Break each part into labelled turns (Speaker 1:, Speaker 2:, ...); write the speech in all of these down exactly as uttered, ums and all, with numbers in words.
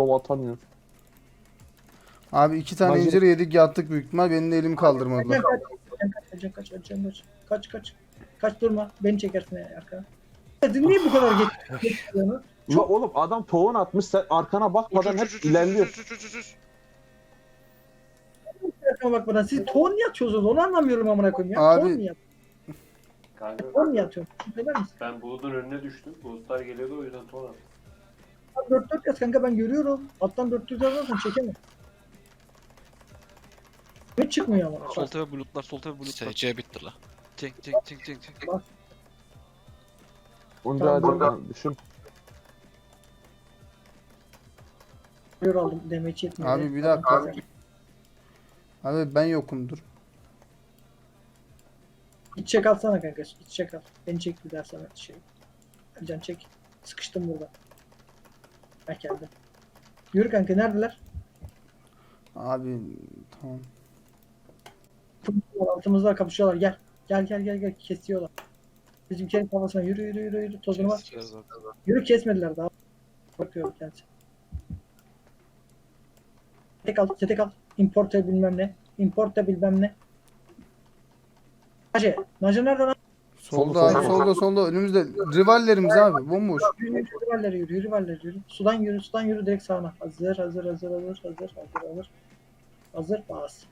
Speaker 1: slow atamıyor.
Speaker 2: Abi iki tane
Speaker 1: Bence-
Speaker 2: incir yedik yattık büyük ihtimal. Benim de elim kaldırmadılar.
Speaker 3: Kaç kaç kaç kaç kaç kaç kaç kaç kaç durma beni çekersin ya arka. Niye bu kadar geç geçiyorsun?
Speaker 1: La oğlum adam tohum atmış, sen arkana bakmadan hep ilerliyor.
Speaker 3: Arkama bakmadan siz ton niye atıyorsunuz onu anlamıyorum amına koyayım ya.
Speaker 2: Abi-
Speaker 3: Ton niye
Speaker 4: Kanka
Speaker 3: Ton niye atıyorsun? Söyler misin?
Speaker 4: ben bulutun önüne düştüm. Bulutlar geliyordu o yüzden ton attım.
Speaker 3: dört dört yaz kanka ben görüyorum. Alttan dört dört yazarsan çekemem. Ne çıkmıyor ama.
Speaker 5: Sol tepe bulutlar, sol tepe bulutlar.
Speaker 6: S C bitti la.
Speaker 5: Cenk, cenk, cenk, cenk, cenk.
Speaker 1: Onca
Speaker 3: Tamam,
Speaker 1: hadi düşün.
Speaker 3: Gör aldım demeç yetmiyor.
Speaker 2: Abi bir dakika. Abi ben yokum dur.
Speaker 3: İç çek alsana kanka. İç çek al. Beni çek bir daha sana şey. Can çek. Sıkıştım burada. Ha geldim. Yürü kanka neredeler?
Speaker 2: Abi tamam.
Speaker 3: Altımızda kapışıyorlar. Gel. Gel gel gel gel. Kesiyorlar. Bizimkilerin kafasına yürü yürü yürü yürü. Tozunu bak.
Speaker 6: Keseceğiz zaten.
Speaker 3: Yürü kesmediler daha. Bakıyorum kendisi. Tek al, tek al. Importe bilmem ne. Importe bilmem ne. Nace. Nace nerede lan?
Speaker 2: Solda
Speaker 1: Solda,
Speaker 2: abi
Speaker 1: solda.
Speaker 2: solda solda önümüzde rivallerimiz abi bomboş.
Speaker 3: Yürü yürü rivalleri yürü. Yürü rivalleri yürü. Sudan yürü. Sudan yürü direkt sağına. Hazır hazır hazır hazır hazır hazır hazır. Hazır bas.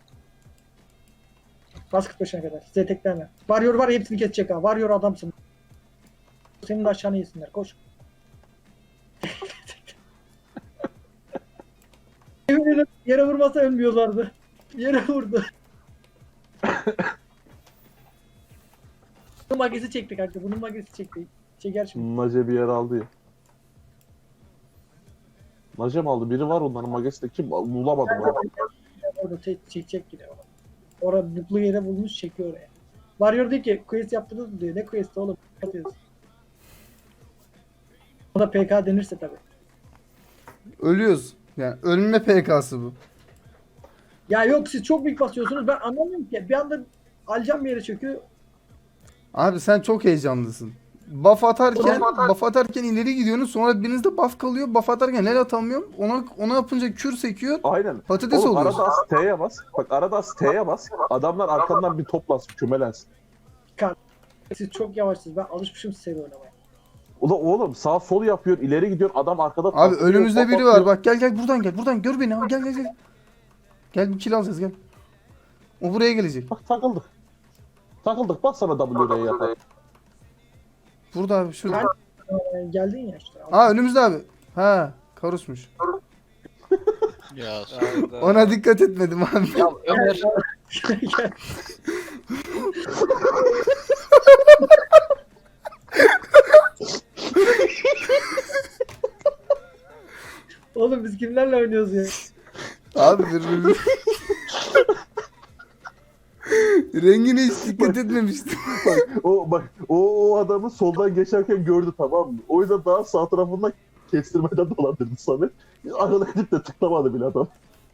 Speaker 3: Bas kırk beşine kadar. Size tekleme. Varıyor var hepsini kesecek ha. Varıyor adamsın. Senin de aşağını yesinler. Koş. Eminim yere vurmasa ölmüyorlardı. Yere vurdu. Bunun magesi çekti kanka. Bunun magesi çekti. Çeker şimdi.
Speaker 1: Nace bir yer aldı ya. Nace mi aldı? Biri var onların magesi kim? Bulamadım onu.
Speaker 3: Orada çek, çekecek yine. Orada buklu yere bulmuş çekiyor oraya. Varıyor diyor ki quest yaptınız mı diyor. Ne quest oğlum? Yapıyoruz. O da P K denirse tabii.
Speaker 2: Ölüyoruz. Yani ölme P K'sı bu.
Speaker 3: Ya yok siz çok büyük basıyorsunuz. Ben anlamıyorum ki. Bir anda alacağım bir yere çöküyor.
Speaker 2: Abi sen çok heyecanlısın. Buff atarken, buff atarken ileri gidiyorsunuz sonra birinizde buff kalıyor. Buff atarken el atamıyorum. Ona ona yapınca kür sekiyor.
Speaker 1: Aynen.
Speaker 2: Patates
Speaker 1: Oğlum
Speaker 2: oluyorsun.
Speaker 1: arada az T'ye bas. Bak arada az T'ye bas. Adamlar arkandan bir toplansın, kümelensin.
Speaker 3: Siz çok yavaşsınız. Ben alışmışım seri oynamaya.
Speaker 1: O da oğlum sağ sol yapıyor, ileri gidiyor. Adam arkada
Speaker 2: Abi
Speaker 1: taklıyor,
Speaker 2: önümüzde biri
Speaker 1: patlatıyor.
Speaker 2: var. Bak gel gel buradan gel. Buradan gör beni. Abi, gel gel gel. Gel bir kill alacağız gel. O buraya gelecek.
Speaker 1: Bak takıldık. Takıldık. Bak sana W R'yi yapar.
Speaker 2: Burada abi şurada.
Speaker 3: Ee, geldin ya işte.
Speaker 2: Aa önümüzde abi. Ha karusmuş.
Speaker 6: Ya
Speaker 5: Hayda.
Speaker 2: Ona dikkat etmedim abi.
Speaker 6: ya Ömer.
Speaker 3: Gel. Oğlum biz kimlerle oynuyoruz ya?
Speaker 2: Abi birbirimiz... Rengine hiç dikkat etmemiştim.
Speaker 1: O bak o, o adamı soldan geçerken gördü, tamam mı? O yüzden daha sağ tarafından kestirmeden dolandırdı Samet. Arada gidip de tıklamadı bile adam.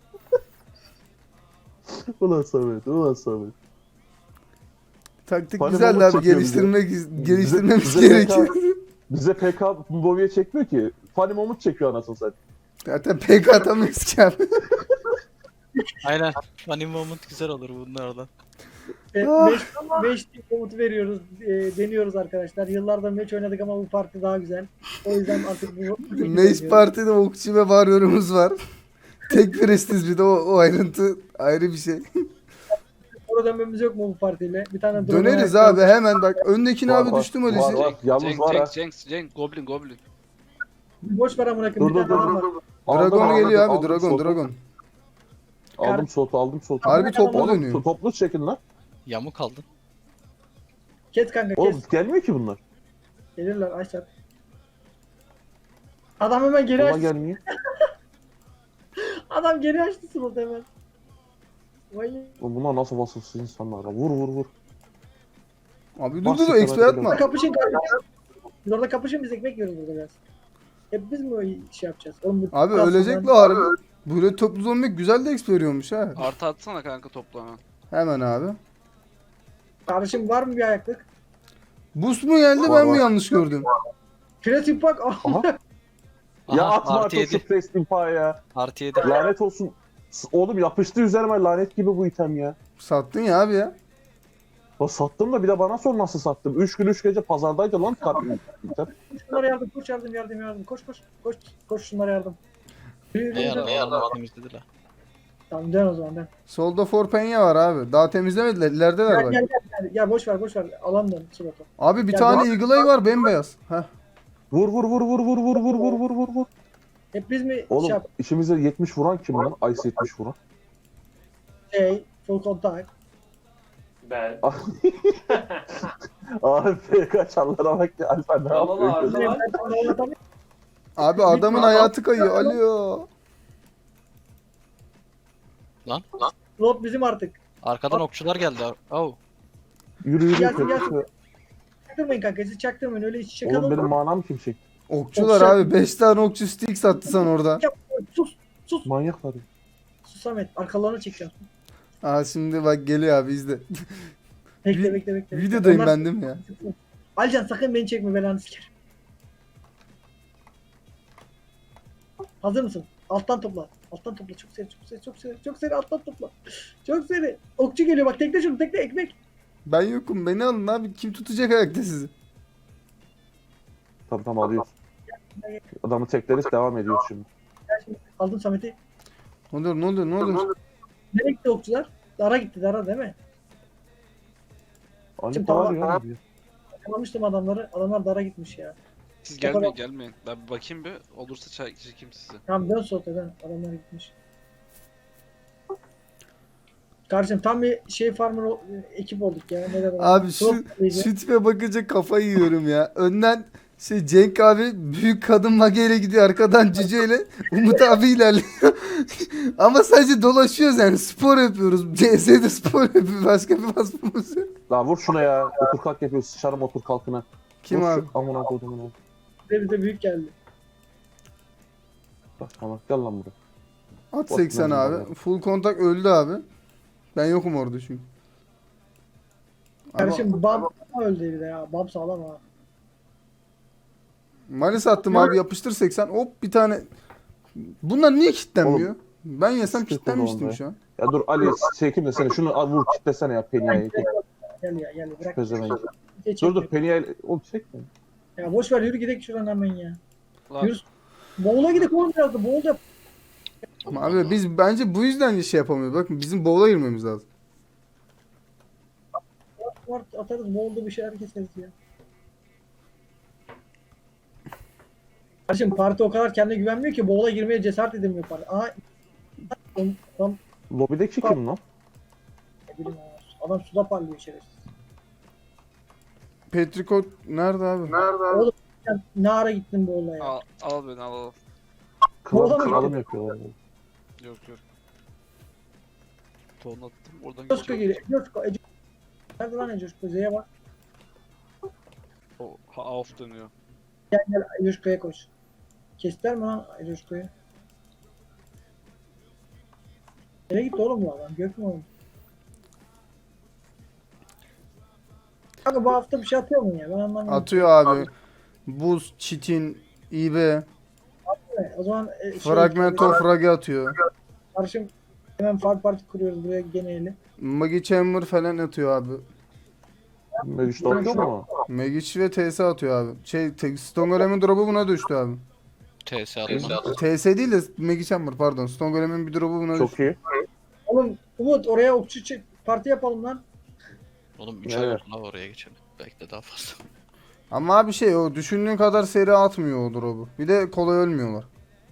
Speaker 1: Ulan Samet, ulan Samet.
Speaker 2: Taktik
Speaker 1: Hani
Speaker 2: güzeldi
Speaker 1: Mahmut
Speaker 2: abi.
Speaker 1: çekiyor
Speaker 2: Geliştirmek geliştirmemiz
Speaker 1: bize
Speaker 2: gerekiyor.
Speaker 1: P K Bize P K Bobby'ye çekmiyor ki. Funny Moment çekiyor anasını satayım.
Speaker 2: Zaten P K atamıyoruz ki abi.
Speaker 6: Aynen. Funny moment güzel olur bunlardan.
Speaker 2: Ah.
Speaker 3: beş komutu veriyoruz, e, deniyoruz arkadaşlar. Yıllardır meç oynadık ama bu parti daha güzel. O yüzden artık bu...
Speaker 2: Mace Parti'de okçu ve varyorumuz var. Tek prestiz bir de o, o ayrıntı ayrı bir şey.
Speaker 3: Orada dönmemiz yok mu bu partiyle? Bir tane drone
Speaker 2: Döneriz
Speaker 3: ayakta-
Speaker 2: abi hemen bak. Öndekine
Speaker 1: Var,
Speaker 2: abi
Speaker 1: var,
Speaker 2: düştüm
Speaker 1: var,
Speaker 2: öylesi.
Speaker 1: var. Yalnız
Speaker 5: Cenk,
Speaker 1: var ha.
Speaker 5: Cenk, Cenk, Cenk, Goblin, Goblin.
Speaker 3: Boş ver amına
Speaker 1: Dur
Speaker 3: koyayım. Bir
Speaker 1: dur
Speaker 3: tane
Speaker 1: dur
Speaker 3: adam var.
Speaker 1: dur. Aldım,
Speaker 2: Dragon
Speaker 1: aldım,
Speaker 2: geliyor abi.
Speaker 1: aldım
Speaker 2: Dragon,
Speaker 1: slotu.
Speaker 2: Dragon.
Speaker 1: Aldım slotu, aldım slotu.
Speaker 2: Harbi toplu
Speaker 1: Oğlum
Speaker 2: dönüyor.
Speaker 1: toplu çekin lan.
Speaker 6: Yamuk kaldın.
Speaker 3: Kes kanka kes.
Speaker 1: Oğlum gelmiyor ki bunlar.
Speaker 3: Gelirler Aysel. Adam hemen geri
Speaker 1: Ulan
Speaker 3: açtı.
Speaker 1: gelmiyor.
Speaker 3: Adam geri açtı slot hemen. Vay.
Speaker 1: Oğlum bunlar nasıl vasıfsız insanlar ya. Vur vur vur.
Speaker 2: Abi dur
Speaker 1: Bak,
Speaker 2: dur dur
Speaker 1: süper
Speaker 2: X P atma.
Speaker 1: atıyor.
Speaker 3: Kapışın kanka. Biz orada kapışın biz ekmek yiyoruz burada biraz. Hep biz mi o şey yapacağız? Oğlum bu
Speaker 2: Abi
Speaker 3: kalsın
Speaker 2: ölecek
Speaker 3: lan.
Speaker 2: la harbi. Böyle toplu zombi güzel de X P veriyormuş ha.
Speaker 5: Artı atsana kanka toplama.
Speaker 2: Hemen abi.
Speaker 3: Kardeşim var mı bir ayaklık?
Speaker 2: Boost mu geldi
Speaker 1: Var,
Speaker 2: ben mi
Speaker 1: var.
Speaker 2: yanlış gördüm?
Speaker 3: Kreatif bak.
Speaker 1: Aha. Ya
Speaker 6: Aha,
Speaker 1: atma
Speaker 6: artı
Speaker 1: artık şu
Speaker 6: yedi.
Speaker 1: pres impa ya.
Speaker 6: Artı yedi.
Speaker 1: Lanet olsun. S- Oğlum yapıştı üzerime lanet gibi bu item ya.
Speaker 2: Sattın ya abi ya.
Speaker 1: O sattım da bir de bana sor nasıl sattım. Üç gün üç gece pazardaydı lan kart item.
Speaker 3: Koş şunlara yardım, koş yardım, yardım, yardım. Koş koş, koş, koş şunlara yardım. Yürü, yürü,
Speaker 6: Ne
Speaker 3: yürü.
Speaker 6: yardım? Ne yardım? Temizledi la.
Speaker 3: Tamam dön o zaman dön.
Speaker 2: Solda Forpenya var abi. Daha temizlemediler. İlerideler
Speaker 3: Gel
Speaker 2: bak.
Speaker 3: gel gel. gel. Ya boş ver boş ver. Alan dön Sırat'a.
Speaker 2: Abi bir
Speaker 3: Ya
Speaker 2: tane
Speaker 3: bu-
Speaker 2: Eagle Eye var bembeyaz. Heh.
Speaker 1: Vur vur vur vur vur vur vur vur vur vur vur.
Speaker 3: Hep biz mi
Speaker 1: Oğlum
Speaker 3: şey, yap-
Speaker 1: işimize yetmiş vuran kim lan? Ice yetmiş vuran.
Speaker 3: şey full contact.
Speaker 4: Ben.
Speaker 1: Abi F K çarlara bak ya. Alfa ne
Speaker 4: Tamam
Speaker 1: yapıyor?
Speaker 4: abi.
Speaker 1: ki?
Speaker 4: Var.
Speaker 2: Abi adamın
Speaker 3: Bitme.
Speaker 2: hayatı kayıyor. Alo.
Speaker 6: Lan.
Speaker 3: Slot bizim artık.
Speaker 6: Arkadan okçular geldi. Oh.
Speaker 1: Yürü yürü.
Speaker 3: Gelsin,
Speaker 1: yürü.
Speaker 3: gelsin. Çaktırmayın kanka siz çaktırmayın öyle iç içe
Speaker 1: Oğlum
Speaker 3: kalın.
Speaker 1: benim manam kim çekti?
Speaker 2: Okçular
Speaker 3: Okçu-
Speaker 2: abi. beş tane okçu stick sattı sen orada.
Speaker 3: Sus sus
Speaker 1: Manyaklar. ya.
Speaker 3: sus Samet arkalarına çekeceğim.
Speaker 2: Aa şimdi bak geliyor abi izle.
Speaker 3: Bekle
Speaker 2: Vi-
Speaker 3: bekle bekle.
Speaker 2: Videodayım
Speaker 3: Onlar-
Speaker 2: ben değil mi ya?
Speaker 3: Alcan sakın beni çekme belanı sikerim. Hazır mısın? Alttan topla. Alttan topla. Çok seri, çok seri, çok seri, çok seri alttan topla. Çok seri. Okçu geliyor bak tekle şunu tekle ekmek.
Speaker 2: Ben yokum. Beni alın abi. Kim tutacak ayakta sizi?
Speaker 1: Tamam tamam alıyoruz. Adamı tekleriz devam ediyoruz şimdi.
Speaker 3: Gel şimdi. Aldım Samet'i.
Speaker 2: Ne oluyor ne oluyor ne oluyor?
Speaker 3: Nereye gitti okçular? Dara gitti Dara değil mi?
Speaker 1: Anne
Speaker 3: Şimdi
Speaker 1: var
Speaker 3: tamam.
Speaker 1: ya. diyor.
Speaker 3: Yakalamıştım adamları. Adamlar Dara gitmiş ya.
Speaker 5: Siz gelmeyin gelmeyin. Ben bir bakayım bir. Olursa çay çekeyim sizi.
Speaker 3: Tamam dön sohbet dön. Adamlar gitmiş. Kardeşim tam bir şey farmer o- ekip olduk ya. Ne demek?
Speaker 2: Abi şu,
Speaker 3: Çok iyiydi.
Speaker 2: şu tipe bakınca kafayı yiyorum ya. Önden şey Cenk abi büyük kadın mageyle gidiyor. Arkadan Cüce ile Umut abi ilerliyor. Ama sadece dolaşıyoruz yani. Spor yapıyoruz. C S'de spor yapıyoruz. Başka bir vasfımız yok.
Speaker 1: La vur şuna ya. Otur kalk yapıyoruz. Sıçarım otur kalkına.
Speaker 2: Kim
Speaker 1: Vur
Speaker 2: abi?
Speaker 1: şu amına kodumun abi.
Speaker 3: Bize bize büyük geldi.
Speaker 1: Bak tamam gel lan buraya.
Speaker 2: At seksen
Speaker 1: Botman
Speaker 2: abi. Full kontak öldü abi. Ben yokum orada çünkü. Ama
Speaker 3: Kardeşim Bab öldü bir de ya. Bab sağlam ha.
Speaker 2: Malis attım abi yapıştır seksen. Hop bir tane. Bunlar niye kilitlenmiyor? Ben yesem
Speaker 1: sıkıntı
Speaker 2: kilitlenmiştim
Speaker 1: oldu
Speaker 2: şu an.
Speaker 1: Ya dur Ali çekim de seni. Şunu al vur kitlesene ya Peniya'yı.
Speaker 3: Gel ya gel bırak.
Speaker 1: Pezevenk.
Speaker 3: Geç,
Speaker 1: Dur dur
Speaker 3: çek.
Speaker 1: Peniya'yı. Oğlum çekme.
Speaker 3: Ya boş ver yürü gidelim şuradan hemen ya.
Speaker 5: Lan
Speaker 3: Yürü. Boğula gidelim oğlum biraz da boğul yap.
Speaker 2: Ama abi biz bence bu yüzden şey yapamıyoruz. Bakın bizim bowl'a girmemiz lazım.
Speaker 3: Var atarız boğulda bir şeyler keseriz ya. Kardeşim parti o kadar kendine güvenmiyor ki boğula girmeye cesaret edemiyor parti. Aha. Tam, tam
Speaker 1: Lobideki kim lan?
Speaker 3: ne bileyim ya. Adam suda parlıyor şerefsiz.
Speaker 2: Petrikot nerede abi?
Speaker 3: Oğlum sen ne ara gittin boğula ya?
Speaker 5: al, al beni al al.
Speaker 1: Kral,
Speaker 3: Orada mı
Speaker 1: kralım
Speaker 3: gitti?
Speaker 1: yapıyorlar.
Speaker 5: Yok yok. Ton attım oradan
Speaker 3: Coşko
Speaker 5: geçiyor.
Speaker 3: geliyor. Coşko. Ece. Nerede lan Coşko? Z'ye bak.
Speaker 5: O ha, off dönüyor.
Speaker 3: Gel gel Coşko'ya koş. Kestiler mi lan Coşko'yu? Nereye gitti oğlum bu adam? Gök mü oğlum? Kanka bu hafta bir şey atıyor mu ya? Ben anlamadım.
Speaker 2: Atıyor abi. Buz, çitin, İB,
Speaker 3: O zaman e, şey,
Speaker 2: Fragmento fragi atıyor.
Speaker 3: Karşım hemen fark parti kuruyoruz buraya geneli.
Speaker 2: Magi Chamber falan atıyor abi.
Speaker 1: Meclis olmuş mu?
Speaker 2: Magic ve T S atıyor abi. Şey, te- Stone Golem'in drop'u buna düştü abi.
Speaker 6: T S atma.
Speaker 2: T S değil de Magi Chamber pardon. Stone Golem'in bir drop'u buna düştü.
Speaker 1: Çok iyi.
Speaker 3: Oğlum Umut oraya okçu çek parti yapalım lan.
Speaker 6: Oğlum üç
Speaker 1: Evet.
Speaker 6: ay oldu la oraya geçelim. Belki de daha fazla.
Speaker 2: Ama abi şey o düşündüğün kadar seri atmıyor o drop'u. Bir de kolay ölmüyorlar.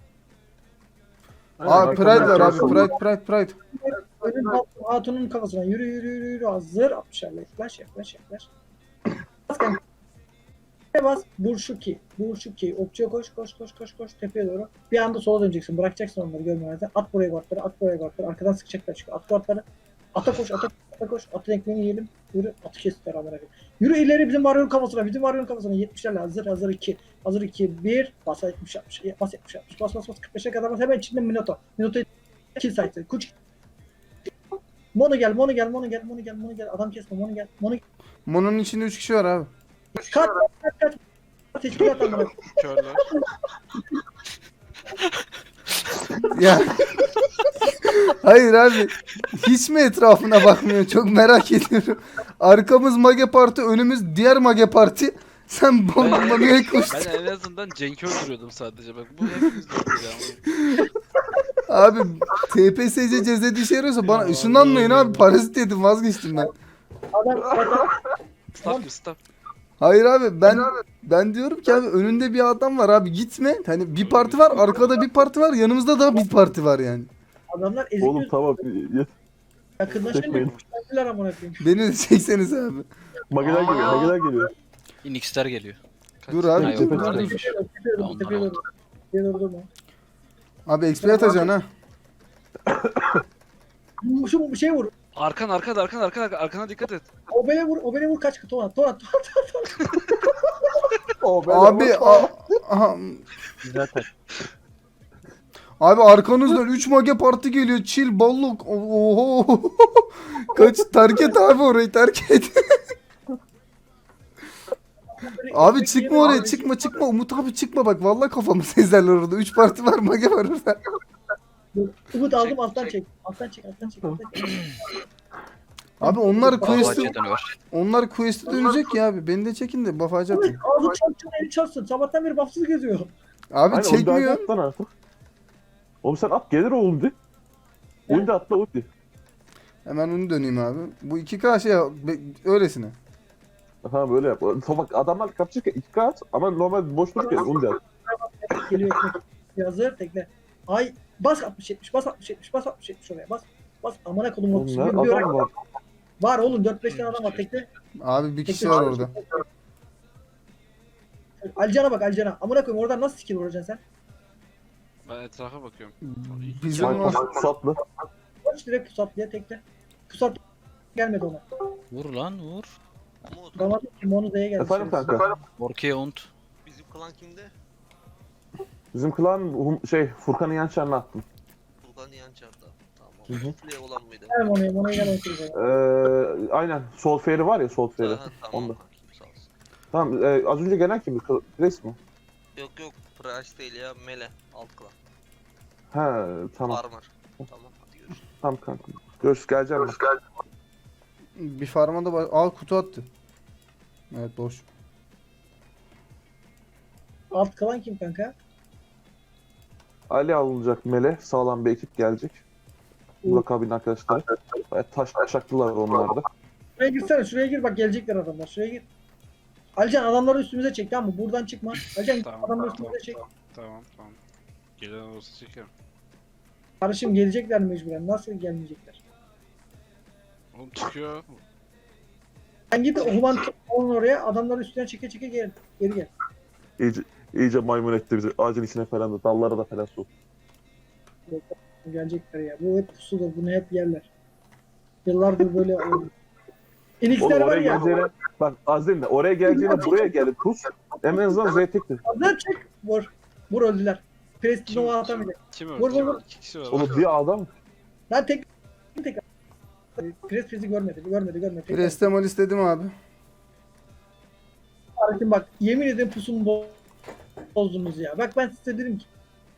Speaker 2: Abi Pride var abi. Pride Pride Pride.
Speaker 3: Önün hat- hatunun kafasına yürü yürü yürü yürü hazır altmışlarla yaklaş yaklaş yaklaş. Bas kanka. Tepeye bas Burşuki. Burşuki. Okçuya koş koş koş koş koş tepeye doğru. Bir anda sola döneceksin. Bırakacaksın onları görmemezden. At buraya guardları at buraya guardları. Arkadan sıkacaklar çünkü. At guardları. Ata koş ata, ata koş. Atın ekmeğini yiyelim. Yürü. Atı kestikler amına koyayım. Yürü ileri bizim varyon kafasına. Bizim varyon kafasına. yetmişlerle hazır hazır iki. Hazır iki. bir. Bas yetmiş yapmış. Bas yetmiş yapmış. Bas bas bas. kırk beşe kadar bas. Hemen içinde Minoto. Minoto'yu kill site'ı. Kuç. Mono gel, Mono gel, Mono gel, Mono gel, Mono gel. Adam kesme, Mono gel. Mono
Speaker 2: Mono'nun içinde üç kişi var abi.
Speaker 3: kaç kaç kaç. Teşkilat amına.
Speaker 5: Körler.
Speaker 2: Ya. Hayır abi. Hiç mi etrafına bakmıyor? Çok merak ediyorum. Arkamız Mage Parti, önümüz diğer Mage Parti. Sen bombamaya koştun.
Speaker 5: Ben en azından Cenk'i öldürüyordum sadece bak. Bu hepimiz öldürüyor ama.
Speaker 2: Abi T P S C cezede işe yarıyorsa bana ışınlanmayın abi. Parazit yedim, vazgeçtim ben.
Speaker 3: Adam zaten
Speaker 5: Staff gibi staff.
Speaker 2: Hayır abi ben ben diyorum ki abi önünde bir adam var abi, gitme. Hani bir parti var, arkada bir parti var, yanımızda da bir parti var yani.
Speaker 3: adamlar ezik
Speaker 1: Oğlum
Speaker 3: yüz
Speaker 1: tamam. Yet-
Speaker 3: yakınlaşınca
Speaker 1: Çekmeyin.
Speaker 3: kuşlandılar amına koyayım.
Speaker 2: Beni de çekseniz abi.
Speaker 1: Mageler geliyor. Mageler geliyor.
Speaker 6: Inx'ler geliyor.
Speaker 2: Dur abi.
Speaker 6: Hayır,
Speaker 2: dur,
Speaker 1: tepe
Speaker 2: dur,
Speaker 6: onlar
Speaker 2: dur.
Speaker 6: değil.
Speaker 3: Tepeye doğru, tepeye doğru,
Speaker 6: Onlar
Speaker 3: tepeye doğru. Tepeye doğru durma.
Speaker 2: Abi X P atacaksın ha.
Speaker 3: Bu- Şu bir şey vur.
Speaker 5: Arkan arkan arkan arkan arkan arkana dikkat et.
Speaker 3: O beni vur, o beni vur kaç Tuğan, Tuğan, Tuğan.
Speaker 1: Oh, ben
Speaker 2: Abi a- aha.
Speaker 4: Zaten.
Speaker 2: Abi arkanızdan üç Mage Parti geliyor. Chill balluk. Oho. Kaç, terk et abi orayı, terk et. Abi çıkma oraya, çıkma çıkma. Umut abi çıkma bak. Vallahi kafamı sezerler orada. üç parti var, Mage var orada.
Speaker 3: Umut aldım
Speaker 5: Çek,
Speaker 3: alttan
Speaker 5: çek.
Speaker 3: çek. Alttan çek, alttan çek, alttan çek.
Speaker 2: Abi onlar quest'i
Speaker 6: Bahçe dönüyor.
Speaker 2: onlar quest'i dönecek ya abi. Beni de çekin de buff'acı atın.
Speaker 3: Ağzı çarpsın, eli çarpsın. Sabahtan beri bahtsız geziyor.
Speaker 2: Abi
Speaker 1: Aynen, onu
Speaker 2: çekmiyor.
Speaker 1: bir at lan artık. Oğlum sen at gelir oğlum de. Ulti atla ulti.
Speaker 2: Hemen onu döneyim abi. Bu iki K şey be- öylesine.
Speaker 1: Ha böyle yap. Bak adamlar kapışırken iki K at ama normal boş dururken onu da at.
Speaker 3: Geliyor ekmek. Hazır tekle. Ay bas altmış yetmiş, bas altmış yetmiş, bas altmış yetmiş oraya bas. Bas amına kodum
Speaker 1: Oğlum
Speaker 3: otuz.
Speaker 1: ne
Speaker 3: Bir, bir
Speaker 1: adam var.
Speaker 3: var oğlum dört beş tane adam var tekle.
Speaker 2: Abi bir kişi
Speaker 3: Tekle.
Speaker 2: var orada.
Speaker 3: Alcan'a bak Alcan'a. Amına koyayım oradan nasıl skill vuracaksın sen?
Speaker 5: Ben etrafa bakıyorum.
Speaker 2: Bizim
Speaker 1: Ay,
Speaker 2: var.
Speaker 1: Pusatlı.
Speaker 3: Koş direkt pusat diye tekle. Pusat gelmedi ona.
Speaker 6: Vur lan vur.
Speaker 3: Ramazan Kimonu Z'ye geldi.
Speaker 1: Efendim kanka.
Speaker 6: Orkaya ont.
Speaker 7: Bizim klan kimde?
Speaker 1: Bizim klan hum- şey Furkan'ın yan çarına attım.
Speaker 7: Furkan Yançar'da. Tamam.
Speaker 1: Hı hı.
Speaker 7: Sufle olan mıydı?
Speaker 3: Gel Mono'ya, Mono'ya gel otur.
Speaker 1: Ee, aynen sol feri var ya sol feri.
Speaker 7: Aha, tamam
Speaker 1: Onda.
Speaker 7: kankim sağ olsun.
Speaker 1: Tamam e, az önce gelen kim? Grace mi?
Speaker 7: Yok yok Price değil ya Mele alt klan.
Speaker 1: He tamam.
Speaker 7: Farmer. Tamam hadi görüşürüz.
Speaker 1: Tamam kanka. Görüşürüz geleceğim. ben.
Speaker 2: Bir farma da var. Aa kutu attı. Evet boş.
Speaker 3: Alt kalan kim kanka?
Speaker 1: Ali alınacak Mele. Sağlam bir ekip gelecek. Burak abinin arkadaşları. Bayağı taş taşaklılar onlar da.
Speaker 3: Şuraya girsene, şuraya gir bak gelecekler adamlar. Şuraya gir. Alcan adamları üstümüze çek tamam mı? Buradan çıkma. Alcan
Speaker 5: Tamam,
Speaker 3: adamları
Speaker 5: tamam,
Speaker 3: üstümüze çek.
Speaker 5: Tamam tamam. Gelen olursa çekerim.
Speaker 3: Karışım gelecekler mecburen. Nasıl gelmeyecekler?
Speaker 5: Oğlum çıkıyor.
Speaker 3: Sen git Human onun oraya adamları üstüne çeke çeke gel. Geri gel.
Speaker 1: İyice, iyice maymun etti bizi. Ağacın içine falan da dallara da falan sok.
Speaker 3: Gelecekler ya. Bu hep pusudur. Bunu hep yerler. Yıllardır böyle oldu.
Speaker 1: Oğlum
Speaker 3: Enixler var
Speaker 1: oraya
Speaker 3: ya.
Speaker 1: geleceğine bak az değil de oraya geleceğine buraya gelip pus. En azından Z tektir.
Speaker 3: Hazır çek. Vur. Vur öldüler. Prestige
Speaker 5: Kim?
Speaker 3: Nova atamayacak.
Speaker 5: Kim
Speaker 3: Vur,
Speaker 5: öldü?
Speaker 3: vur, vur.
Speaker 5: İki kişi var.
Speaker 1: Oğlum bir adam.
Speaker 3: Lan tek tek Prestige'i görmedi. Görmedi görmedi. Tek
Speaker 2: Restemal istedim abi.
Speaker 3: Kardeşim bak yemin ederim pusumu bo- bozdunuz ya. Bak ben size dedim ki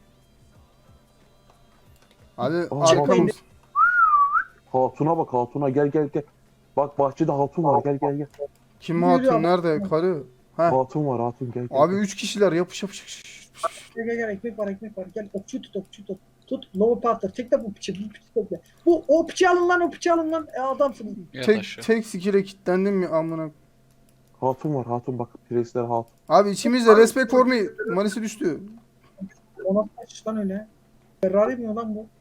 Speaker 2: Abi
Speaker 1: Aa,
Speaker 2: arkamız.
Speaker 1: Hatuna bak hatuna gel gel gel. Bak bahçede hatun var gel gel gel.
Speaker 2: Kim
Speaker 3: Yürü
Speaker 2: hatun
Speaker 3: ama.
Speaker 2: nerede? Karı. Ha.
Speaker 1: Hatun var hatun gel gel.
Speaker 2: Abi üç kişiler yapış yapış. yapış.
Speaker 3: gel gel gel ekmek var ekmek var. Gel okçu tut okçu tut. Tut Nova Partner. Tek de bu piçi. Bu piçi tekle. Bu o piçi alın lan o piçi alın lan. E, adamsınız.
Speaker 6: Yat
Speaker 2: Tek
Speaker 6: aşağı.
Speaker 2: tek skill'e kilitlendim ya amına.
Speaker 1: Hatun var hatun bak. Presler hatun.
Speaker 2: Abi içimizde respect for me. Manisi düştü.
Speaker 3: Ona kaç lan öyle. Ferrari mi o lan bu?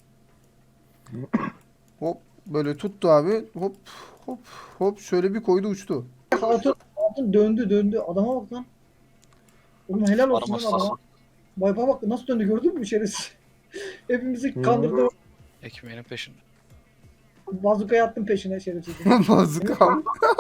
Speaker 2: Hop böyle tuttu abi. Hop hop hop şöyle bir koydu uçtu.
Speaker 3: Hatun, hatun döndü döndü. Adama bak lan. Oğlum helal olsun lan
Speaker 6: Parmasız.
Speaker 3: adama. Bayba bak nasıl döndü gördün mü şerefsiz? Hepimizi
Speaker 1: Hı.
Speaker 3: kandırdı.
Speaker 6: Ekmeğinin peşinde.
Speaker 3: Bazukayı attım peşine şerefsiz.
Speaker 2: Bazukam.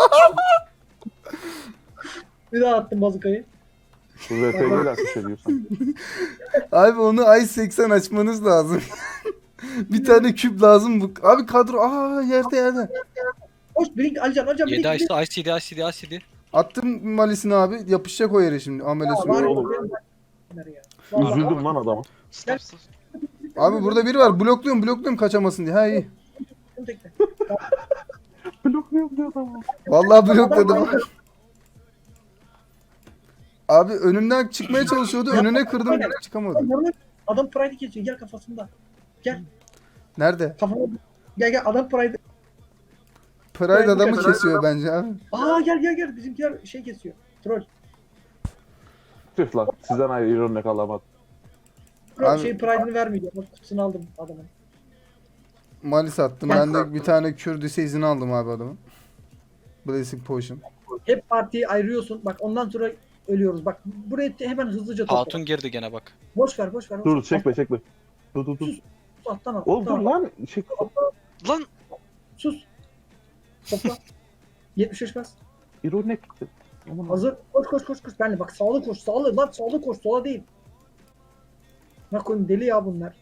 Speaker 3: Bir daha attım bazukayı.
Speaker 1: Bu R P G'yle ateş ediyorsun.
Speaker 2: Abi onu ay seksen açmanız lazım. Bir tane küp lazım bu. Abi kadro aa yerde yerde.
Speaker 3: Hoş birinci Alican Alican
Speaker 6: yedi
Speaker 3: birinci.
Speaker 6: I C D I C D I C D.
Speaker 2: Attım malisini abi. Yapışacak o yere şimdi. Amelesi.
Speaker 3: Var ya,
Speaker 1: oğlum.
Speaker 3: benim- ya. Vallahi
Speaker 1: Üzüldüm lan adama.
Speaker 5: Stop stop.
Speaker 2: Abi burada biri var. Blokluyorum blokluyorum kaçamasın diye. Ha iyi.
Speaker 3: Bunu tekle.
Speaker 1: Blokluyorum diyor adamı.
Speaker 2: Vallahi blokladım. Abi önümden çıkmaya çalışıyordu. Önüne kırdım. Çıkamadım.
Speaker 3: Adam, adam Pride'i kesiyor. Gel kafasında.
Speaker 2: Nerede?
Speaker 3: Kafama. Gel gel adam Pride.
Speaker 2: Pride adamı kesiyor bence abi.
Speaker 3: Aa gel gel gel. Bizimkiler şey kesiyor. Troll.
Speaker 1: Tüh lan sizden ayrı ironik alamadım.
Speaker 3: Troll
Speaker 2: Abi-
Speaker 3: şey Pride'ini vermiyor. Bak kutusunu aldım adamın.
Speaker 2: Malis attım. Ben de bir tane Kürdüs'e izin aldım abi adamın. Blessing Potion.
Speaker 3: Hep partiyi ayırıyorsun. Bak ondan sonra ölüyoruz. Bak burayı hemen hızlıca topla.
Speaker 6: Hatun girdi gene bak.
Speaker 3: Boş ver boş ver. boş
Speaker 1: Dur
Speaker 3: ver.
Speaker 1: çekme çekme. Dur dur dur.
Speaker 3: Alttan al.
Speaker 1: Oğlum dur
Speaker 3: alttan al.
Speaker 1: lan. Şey,
Speaker 5: Lan
Speaker 3: Sus. Topla. yetmiş beş bas.
Speaker 1: ironik. Aman
Speaker 3: Hazır. Koş koş koş koş. Benle bak sağlı koş. Sağlı lan sağlı koş. Sola değil. Bak oğlum deli ya bunlar.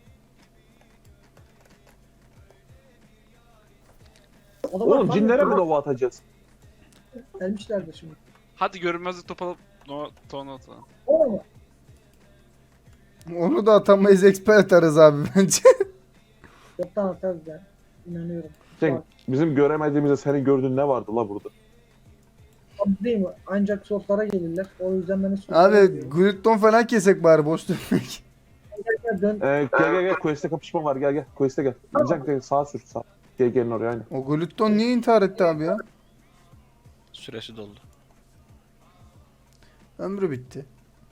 Speaker 3: Adamlar
Speaker 1: Oğlum
Speaker 3: tam
Speaker 1: cinlere mi
Speaker 3: yok.
Speaker 1: dova atacağız?
Speaker 3: Gelmişlerdir şimdi.
Speaker 5: hadi görünmezlik top alıp no ton atalım.
Speaker 3: O mu?
Speaker 2: Onu da atamayız. Expert atarız abi bence.
Speaker 3: Yoktan atarız ben. İnanıyorum.
Speaker 1: Cenk bizim göremediğimizde senin gördüğün ne vardı la burada?
Speaker 3: Abi değil mi? Ancak soflara gelirler. O yüzden beni soflara
Speaker 2: Abi
Speaker 3: geliyorum.
Speaker 2: Glutton falan kesek bari boş dönmek.
Speaker 3: Gel gel dön.
Speaker 1: Ee, gel gel gel quest'e kapışma var gel gel quest'e gel. Cenk gel sağa sür sağ. Gel gelin oraya aynen.
Speaker 2: O Glutton niye intihar etti abi ya?
Speaker 6: Süresi doldu.
Speaker 2: Ömrü bitti.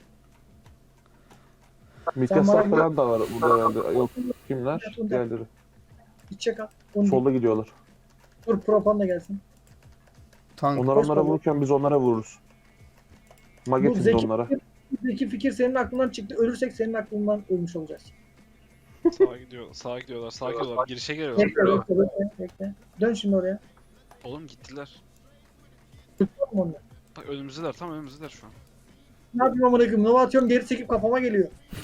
Speaker 1: Mitkaslar
Speaker 3: bana-
Speaker 1: falan da var burada herhalde. Yok kimler? Diğerleri.
Speaker 3: İçecek al. Onu
Speaker 1: Solda gidiyorlar.
Speaker 3: dur propan da gelsin.
Speaker 2: Tank.
Speaker 1: Onlar
Speaker 3: Koş
Speaker 1: onlara
Speaker 3: baba.
Speaker 1: vururken biz onlara vururuz.
Speaker 3: Bu
Speaker 1: Magetimiz
Speaker 3: zeki,
Speaker 1: onlara.
Speaker 3: zeki fikir senin aklından çıktı. Ölürsek senin aklından ölmüş olacağız.
Speaker 5: Sağa gidiyor, sağa gidiyorlar, sağa gidiyorlar. Girişe geliyorlar.
Speaker 3: Bekle bekle bekle. bekle. Dön şimdi oraya.
Speaker 5: Oğlum gittiler.
Speaker 3: Tutma onu.
Speaker 5: Bak önümüzdeler, tam önümüzdeler şu an.
Speaker 3: Ne yapayım amına koyayım? Nova atıyorum geri çekip kafama geliyor.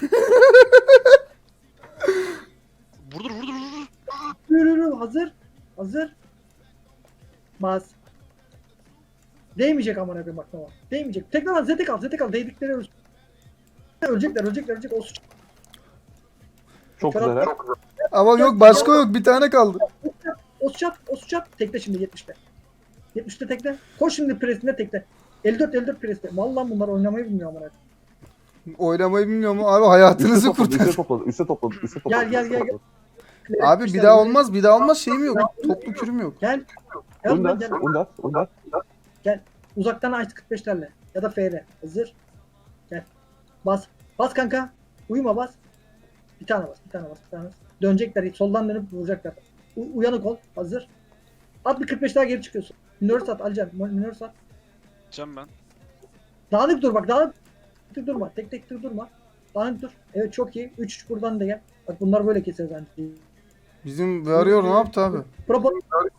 Speaker 5: Vurdur, vurdur, vurdur.
Speaker 3: Yürü yürü hazır. Hazır. Bas. Değmeyecek amına koyayım bak Nova. Değmeyecek. Tekrar al zete kal zete kal. Değdikleri ölsün. Ölecekler ölecekler ölecek. O suç.
Speaker 1: Çok güzel ha.
Speaker 2: Ama yok başka yok. Bir tane kaldı.
Speaker 3: O suçat. O suçat. Tekle şimdi yetmişte. yetmişte tekle. Koş şimdi presine tekle. elli dört elli dört presine. Vallahi bunlar oynamayı bilmiyor amına koyayım.
Speaker 2: Oynamayı bilmiyor mu? Abi hayatınızı
Speaker 1: Üste topladı,
Speaker 2: kurtar.
Speaker 1: üste topladı, üste topladı, üste topladı.
Speaker 3: Gel, gel,
Speaker 1: üste
Speaker 3: gel, gel.
Speaker 1: topladı.
Speaker 2: Abi bir daha olmaz. Bir daha olmaz. Şeyim yok. Toplu kürüm yok.
Speaker 3: Gel. Gel lan
Speaker 1: Undat,
Speaker 3: gel.
Speaker 1: undat, undat.
Speaker 3: Uzaktan ice kırk beşlerle. Ya da F R. Hazır. Gel. Bas. Bas kanka. Uyuma bas. Bir tane bas. Bir tane bas. Bir tane bas. Dönecekler. Soldan dönüp vuracaklar. U- uyanık ol. Hazır. At bir kırk beş daha geri çıkıyorsun. Minör sat. Alacağım. Minör sat.
Speaker 5: Gideceğim ben.
Speaker 3: Dağınık dur bak. Dağınık dur durma. Tek tek dur durma. Dağınık dur. Evet çok iyi. üç üç buradan da gel. Bak bunlar böyle keseriz bence.
Speaker 2: Bizim arıyor ne yaptı abi?
Speaker 3: Propo.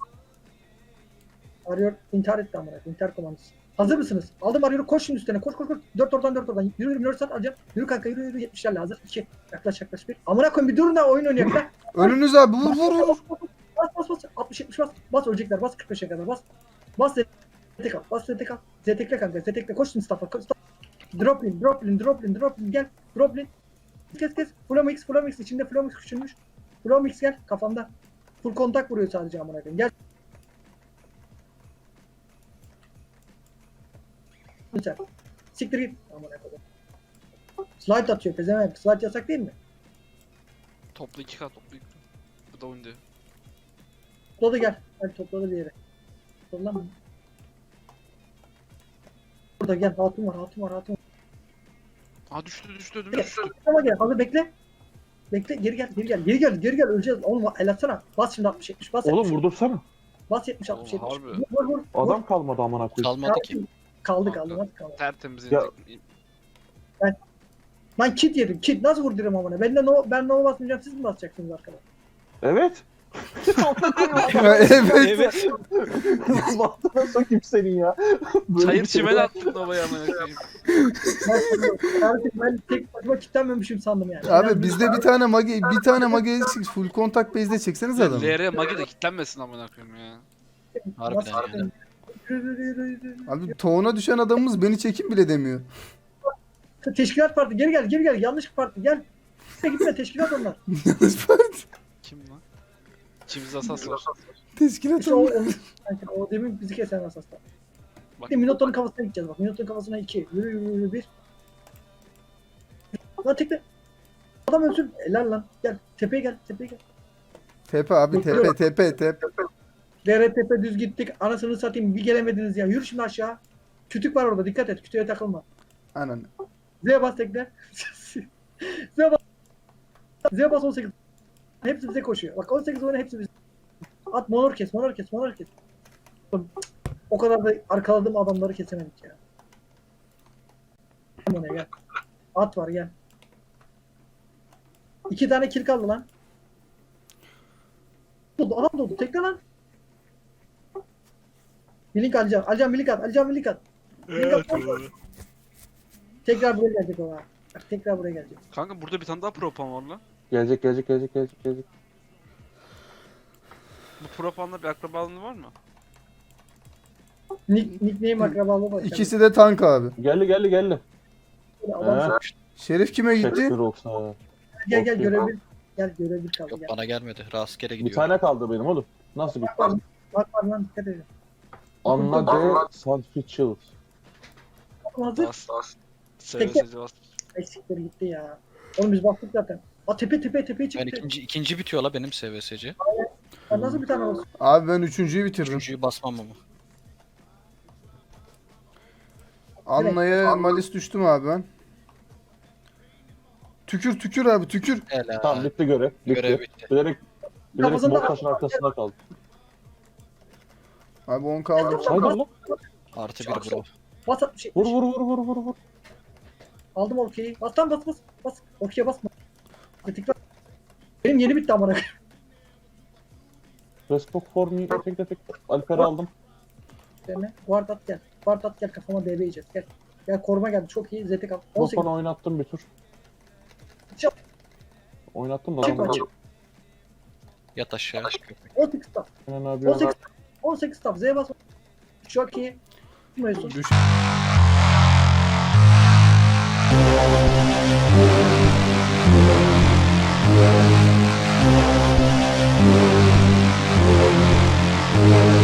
Speaker 3: Arıyor. İntihar etti amına. İntihar komandosu. Hazır mısınız? Aldım arıyor. Koş şimdi üstüne. Koş koş koş. dört oradan dört oradan. Yürü yürü. Minör sat alacağım. Yürü kanka yürü yürü. yetmişlerle hazır. iki. Yaklaş yaklaş bir. Amına koyayım bir durun da oyun oynayak lan.
Speaker 2: Önünüz abi vur vur vur.
Speaker 3: Bas bas bas. altmış yetmiş bas. Bas ölecekler. Bas kırk beşe kadar bas. Bas zetek al. Bas zetek al. Zetekle kanka. Zetekle. Koş şimdi staff'a. Koş, staff. Drop in. Drop in. Drop in. Drop in. Gel. Drop in. Kes kes. Flomix. Flomix. İçinde Flomix küçülmüş. Flomix gel. Kafamda. Full kontak vuruyor sadece amına koyayım. Gel. Sen. Siktir git. Amına koyayım. Slide atıyor pezevenk. Slide yasak değil mi?
Speaker 5: Toplu iki kat, toplu iki kat. Bu da oyunda.
Speaker 3: Topladı gel. Hadi topladı bir yere. Toplam. Burada gel. Hatun var. Hatun var. Hatun var.
Speaker 5: Aa düştü, düştü, önüme düştü.
Speaker 3: Ama gel. Hazır bekle. Bekle. Geri gel. Geri gel. Geri gel. Geri gel. Öleceğiz. Oğlum el atsana. Bas şimdi altmış yetmiş. Bas
Speaker 1: Oğlum
Speaker 3: yetmiş.
Speaker 1: vurdursana.
Speaker 3: Bas yetmiş altmış
Speaker 5: Oğlum,
Speaker 3: yetmiş.
Speaker 5: harbi.
Speaker 3: Vur vur. vur.
Speaker 1: Adam kalmadı amına koyayım.
Speaker 6: Kalmadı ki.
Speaker 3: Kaldı kaldı. Nasıl kaldı?
Speaker 5: Tertemiz
Speaker 1: Ya-
Speaker 5: inecek.
Speaker 3: Lan kit yedim. Kit nasıl vurdurum amına? Ben de no, ben no basmayacağım. Siz mi basacaksınız arkadaşlar?
Speaker 1: Evet.
Speaker 2: evet.
Speaker 6: Evet.
Speaker 1: Bahtına sokayım senin ya. Böyle
Speaker 5: Çayır
Speaker 1: bir şey
Speaker 5: çimen
Speaker 1: yok.
Speaker 5: attın Nova'ya amına koyayım.
Speaker 3: Artık ben tek başıma kitlenmemişim sandım yani.
Speaker 2: Abi bizde bir tane mage bir tane mage eksik. Full kontak base'de çekseniz adamı.
Speaker 5: L R Magi de kilitlenmesin amına koyayım ya.
Speaker 6: Harbiden
Speaker 3: Nasıl-
Speaker 6: yani.
Speaker 3: Yürü, yürü, yürü, yürü.
Speaker 2: Abi toğuna düşen adamımız beni çekin bile demiyor.
Speaker 3: Teşkilat parti geri gel geri gel yanlış parti gel. Gitme gitme teşkilat onlar.
Speaker 2: Yanlış parti.
Speaker 5: Kim lan? İçimizde asas var.
Speaker 2: Teşkilat
Speaker 3: İşte o,
Speaker 2: olmuş.
Speaker 3: o, o demin bizi kesen asaslar.
Speaker 5: Bak,
Speaker 3: Şimdi Minotaur'un kafasına gideceğiz bak. Minotaur'un kafasına iki. Yürü yürü yürü bir. Lan tekle. Adam ölsün. Helal lan. Gel. Tepeye gel. Tepeye gel.
Speaker 2: Tepe abi tepe tepe tepe.
Speaker 3: Dere tepe düz gittik. Anasını satayım. Bir gelemediniz ya. Yürü şimdi aşağı. Kütük var orada. Dikkat et. Kütüğe takılma.
Speaker 2: Anan.
Speaker 3: Z'ye bas tekle. Z'ye bas. Z'ye bas on sekiz. Hepsi bize koşuyor. Bak on sekiz oyna hepsi bize. At monor kes. Monor kes. Monor kes. O kadar da arkaladığım adamları kesemedik ya. Gel buraya, gel. At var gel. İki tane kill kaldı lan. Doldu, adam doldu. Tekle lan. Milink Alican. Alican milink at. Alican milink at. Milink at. Tekrar buraya gelecek o ha. Bak tekrar buraya gelecek.
Speaker 5: Kanka burada bir tane daha propan var lan.
Speaker 1: Gelecek gelecek gelecek gelecek gelecek.
Speaker 5: Bu propanla bir akrabalığın var mı?
Speaker 3: Nick, nickname akrabalığı var.
Speaker 2: İkisi de tank abi.
Speaker 1: Geldi geldi geldi.
Speaker 3: Adam
Speaker 1: Ha.
Speaker 2: Şerif kime gitti?
Speaker 1: Shakespeare olsa.
Speaker 3: gel gel
Speaker 1: Okey.
Speaker 3: görev bir. Gel görev bir kaldı
Speaker 6: Yok
Speaker 3: gel.
Speaker 6: bana gelmedi. Rastgele
Speaker 1: Bir
Speaker 6: gidiyor.
Speaker 1: tane kaldı benim oğlum. Nasıl bir?
Speaker 3: Bak bak bak lan dikkat edin.
Speaker 1: Anna C. Sandfield.
Speaker 3: Hazır.
Speaker 5: Bas. Seve
Speaker 3: Peki.
Speaker 5: seve bas.
Speaker 3: Eksikleri gitti ya. Oğlum biz baktık zaten. Aa tepe tepe tepeye
Speaker 6: Ben
Speaker 3: çıktı.
Speaker 6: ikinci, ikinci bitiyor la benim S V S C.
Speaker 3: Sen nasıl bir tane olsun?
Speaker 2: Abi ben üçüncüyü bitirdim.
Speaker 6: Üçüncüyü basmam ama.
Speaker 2: Anna'ya malis düştüm abi ben. Tükür tükür abi tükür.
Speaker 6: Helal.
Speaker 1: Tamam bitti görev. Bitti.
Speaker 6: Görev bitti.
Speaker 1: Bilerek bilerek
Speaker 3: Kafasında-
Speaker 1: mor taşın arkasında kaldı.
Speaker 2: Abi on kaldı.
Speaker 1: Haydi lan.
Speaker 6: Artı bir bro.
Speaker 3: Bas at bir şey.
Speaker 1: Vur vur vur vur vur vur.
Speaker 3: Aldım okey'i. Bas tam bas bas. Bas. Okey'e basma. Tekrar. Benim yeni bitti amına.
Speaker 1: Respect for me. Efekt efekt. Alper'i aldım.
Speaker 3: Üzerine. Guard at gel. Guard at gel kafama D B yiyeceğiz. Gel. Gel koruma geldi. Çok iyi. Zetek al. on sekiz.
Speaker 1: Profan'ı oynattım bir tur.
Speaker 3: Çık.
Speaker 1: Oynattım da
Speaker 3: Çık
Speaker 1: adam.
Speaker 3: maçı.
Speaker 6: Yat aşağı. Köpek.
Speaker 3: on sekiz tap.
Speaker 1: Aynen abi.
Speaker 3: on sekiz tap. on sekiz tap. Z'ye bas. Çok iyi. Mesut.
Speaker 2: Düş.
Speaker 1: Aynen.